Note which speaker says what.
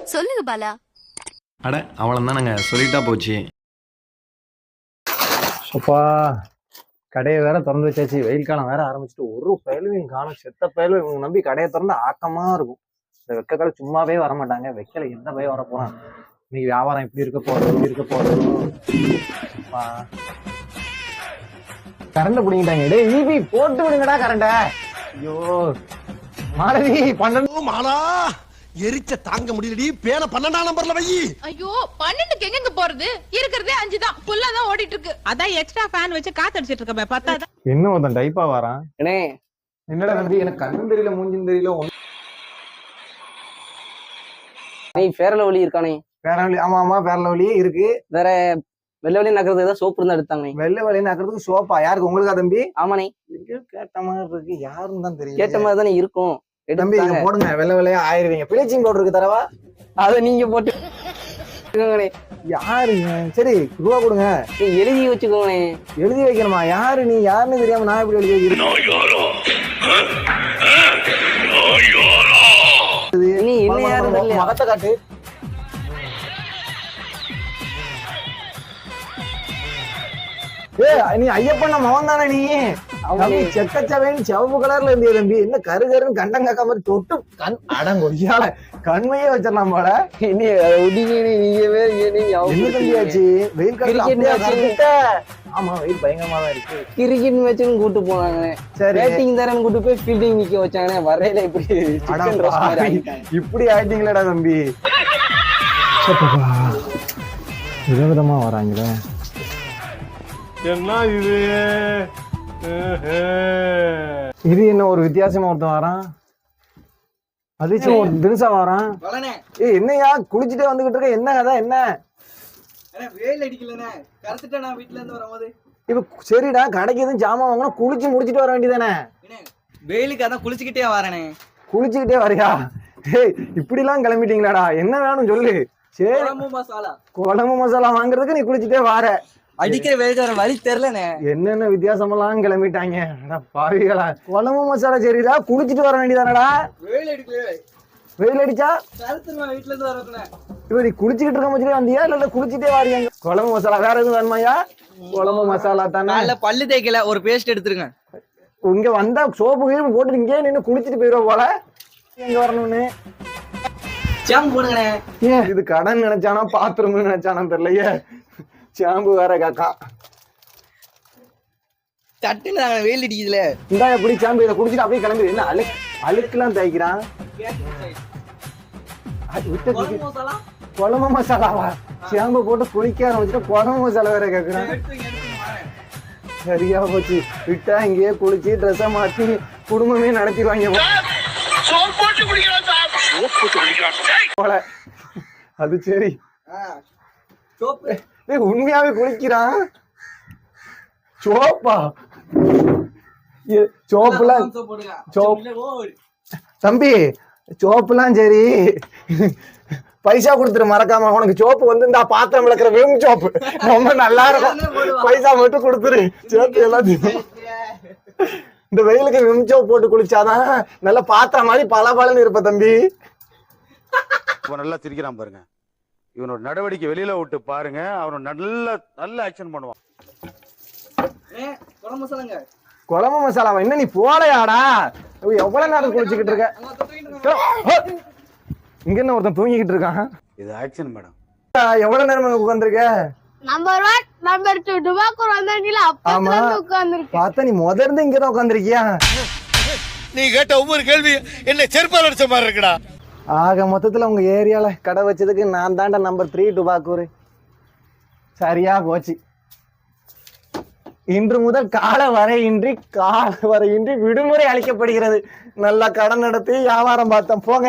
Speaker 1: சொல்லுங்க பாலா.
Speaker 2: அட அவ்வளோதானங்க, சொல்லிட்டா போச்சு.
Speaker 3: அப்பா கடையை வேற திறந்து வச்சாச்சு. வெயில் காலம் வேற ஆரம்பிச்சுட்டு ஒரு பயலுவையும் காணும். செத்த பயலும் இவங்க நம்பி கடையை திறந்து ஆக்கமா இருக்கும். இந்த வெக்கக்கால சும்மாவே வரமாட்டாங்க. வெக்கல எந்த பயம் வர போறான். இன்னைக்கு வியாபாரம் எப்படி இருக்க போறது, எப்படி இருக்க போறது. கரண்ட் பிடிங்கிட்டாங்க. டே ஈபி போட்டு விடுங்கடா கரண்ட. ஐயோ மாலதி 12
Speaker 4: மாலா எரிச்ச தாங்க முடியலடி. பேன 12ஆம் நம்பர்ல வை.
Speaker 5: ஐயோ 12க்கு எங்க போறது? இருக்கிறதே 5 தான். புல்லா தான் ஓடிட்டு இருக்கு. அதான் எக்ஸ்ட்ரா ஃபேன் வச்சு காத்து அடிச்சிட்டு இருக்க. பத்தாத
Speaker 3: என்ன ஒருத்தன் டைப்பா வரான். என்னடா தம்பி, எனக்கு கண்ணும் தெரியல மூஞ்சும் தெரியல.
Speaker 6: பேரலவலி இருக்கானே.
Speaker 3: பேரவழி, ஆமா ஆமா பேரலவழியே இருக்கு.
Speaker 6: வேற வெள்ளை வலி நகரத்துக்கு ஏதாவது சோப்பு இருந்தா எடுத்தாங்க.
Speaker 3: வெள்ளை வழி நக்கிறதுக்கு சோப்பா? யாருக்கு, உங்களுக்கா தம்பி?
Speaker 6: ஆமாண்ணே.
Speaker 3: கேட்ட மாதிரி இருக்கு. யாருன்னு தான் தெரியும்.
Speaker 6: கேட்ட மாதிரி தானே இருக்கும்.
Speaker 3: தம்பி போடுங்க, வெள்ளை வெள்ளையா ஆயிருவீங்க. பிளீச்சிங் பவுடர் இருக்கு தரவா?
Speaker 6: அதை நீங்க போட்டு
Speaker 3: யாருங்க? சரி ரூபா கொடுங்க.
Speaker 6: எழுதி வச்சுக்கோங்கண்ணே.
Speaker 3: எழுதி வைக்கணுமா? யாரு நீ? யாருன்னு தெரியாம நான் எப்படி எழுதி வைக்கிறேன்?
Speaker 6: நீ என்ன யாரும் தெரியல.
Speaker 3: மகத்தை காட்டு. நீ ஐயப்பண்ண மகன் தானே நீ? செக்கச்சவேன்னு சிவப்பு கலர்ல இருந்திய தம்பி. என்ன கரு கருன்னு கண்டம் காக்க மாதிரி தொட்டு கண் அடங்கொய்யால கண்மையே வச்சிடலாம் போல. என்ன தம்பியாச்சு? வெயில் காலத்துல ஆமா வெயில் பயங்கரமா தான் இருக்கு.
Speaker 6: கிரிக்கெட் மேட்சுன்னு கூட்டு போனாங்க. சரி பேட்டிங் தரேன்னு கூட்டு போய் ஃபீல்டிங் நிக்க வச்சாங்க. வரையில
Speaker 3: இப்படி ஆயிட்டீங்களடா தம்பி. விதவிதமா வராங்களே.
Speaker 2: என்ன இது?
Speaker 3: இது என்ன ஒரு வித்தியாசமா ஒருத்தன் வரான். அதிர்ச்சி ஒரு தினசா வரான். என்னையா குளிச்சுட்டே வந்துகிட்டு இருக்க? என்ன கதை? என்ன
Speaker 6: வெயில் அடிக்கலண்ணே, கருத்துட்டேன் நான் வீட்டுல இருந்து வரும்போது.
Speaker 3: இப்ப சரிடா, கடைக்கு எதுவும் ஜாமான் வாங்கினா குளிச்சு முடிச்சுட்டு வர வேண்டியதானே?
Speaker 6: வெயிலுக்கு அதான் குளிச்சுக்கிட்டே வரேனே.
Speaker 3: குளிச்சுக்கிட்டே வரியா? ஏய் இப்படி எல்லாம் கிளம்பிட்டீங்களாடா? என்ன வேணும் சொல்லு. சரி குழம்பு மசாலா வாங்குறதுக்கு நீ குளிச்சுட்டே வார.
Speaker 6: அடிக்கிற வெயிலுக்கு வர வழி தெரியலண்ணே.
Speaker 3: என்னென்ன வித்தியாசமெல்லாம் கிளம்பிட்டாங்க பாவிகளா. குழம்பு மசாலா சரிடா, குளிச்சுட்டு வர வேண்டியதானடா?
Speaker 6: வெயில் அடிக்கல.
Speaker 3: வெயில் அடிச்சா
Speaker 6: வீட்டுல இருந்து வரேன்.
Speaker 3: இப்ப நீ குளிச்சுக்கிட்டு இருக்க மச்சிலே வந்தியா இல்ல குளிச்சுட்டே வாரியாங்க? குழம்பு மசாலா வேற எதுவும் வேணுமாயா? குழம்பு மசாலா தானே.
Speaker 6: பல்லு தேய்க்கல, ஒரு பேஸ்ட் எடுத்துருங்க.
Speaker 3: இங்க வந்தா சோப்பு கீழ் போட்டு இங்கே நின்று குளிச்சுட்டு போயிடுவ போல. எங்க வரணும்னு
Speaker 6: ஷாம்பு போடுங்கண்ணே.
Speaker 3: ஏன் இது கடன் நினைச்சானா பாத்ரூம் நினைச்சானா தெரியலையே. ஷாம்பு வேற காக்கா.
Speaker 6: சட்டுன்னு வெயில் அடிக்குதுல.
Speaker 3: இந்தா எப்படி ஷாம்பு இதை குடிச்சிட்டு அப்படியே கிளம்பி. என்ன அழுக்கெல்லாம் தேய்க்கிறான். குழம்பு மசாலாவா? ஷாம்பு போட்டு குளிக்க ஆரம்பிச்சுட்டு குழம்பு மசாலா வேற கேக்குறான். சரியா போச்சு. விட்டா இங்கேயே குளிச்சு ட்ரெஸ்ஸை மாத்தி குடும்பமே நடத்திடுவாங்க போல. அது சரி. உண்மையாவே குளிக்கிறான். சோப்பா? சோப்புலாம் தம்பி சோப்புலாம் சரி, பைசா கொடுத்துரு மறக்காம. உனக்கு சோப்பு வந்து இந்த பாத்திரம் விளக்குற விம் சோப்பு ரொம்ப நல்லா இருக்கும். பைசா மட்டும் கொடுத்துரு. சோப்பு எல்லாத்தையும் இந்த வெயிலுக்கு விம் சோப்பு போட்டு குளிச்சாதான் நல்லா பாத்திரம் மாதிரி பலன்னு இருப்ப தம்பி.
Speaker 7: நல்லா சிரிக்கிறான் பாருங்க. இவனோட நடவடிக்கை வெளியில விட்டு பாருங்க. அவன் நல்ல ஆக்ஷன் பண்ணுவான்.
Speaker 3: குழம்பு மசாலாவா? என்ன நீ போலையாடா? எவ்வளவு நேரம் குளிச்சுக்கிட்டு இருக்க? இங்க என்ன ஒருத்தன் தூங்கிக்கிட்டு இருக்கான்.
Speaker 7: இது ஆக்ஷன் மேடம்.
Speaker 3: எவ்வளவு நேரம் உட்கார்ந்துருக்க?
Speaker 8: நம்பர் 1 நம்பர் 2 டுபாக்கூர் வந்தாங்கல அப்பத்துல உட்கார்ந்திருக்க.
Speaker 3: பார்த்தா நீ முதல்ல இங்க தான் உட்கார்ந்திருக்கியா?
Speaker 4: நீ கேட்ட ஒவ்வொரு கேள்வி என்ன செருப்பால அடிச்ச மாதிரி இருக்குடா.
Speaker 3: ஆக மொத்தத்துல உங்க ஏரியால கடை வச்சதுக்கு நான் தாண்டா நம்பர் 3 டுபாக்கூர். சரியா போச்சு. இன்று முதல் கால வரையின்றி விடுமுறை அளிக்கப்படுகிறது. நல்லா கடன் நடத்தி வியாபாரம் பார்த்தோம் போங்க.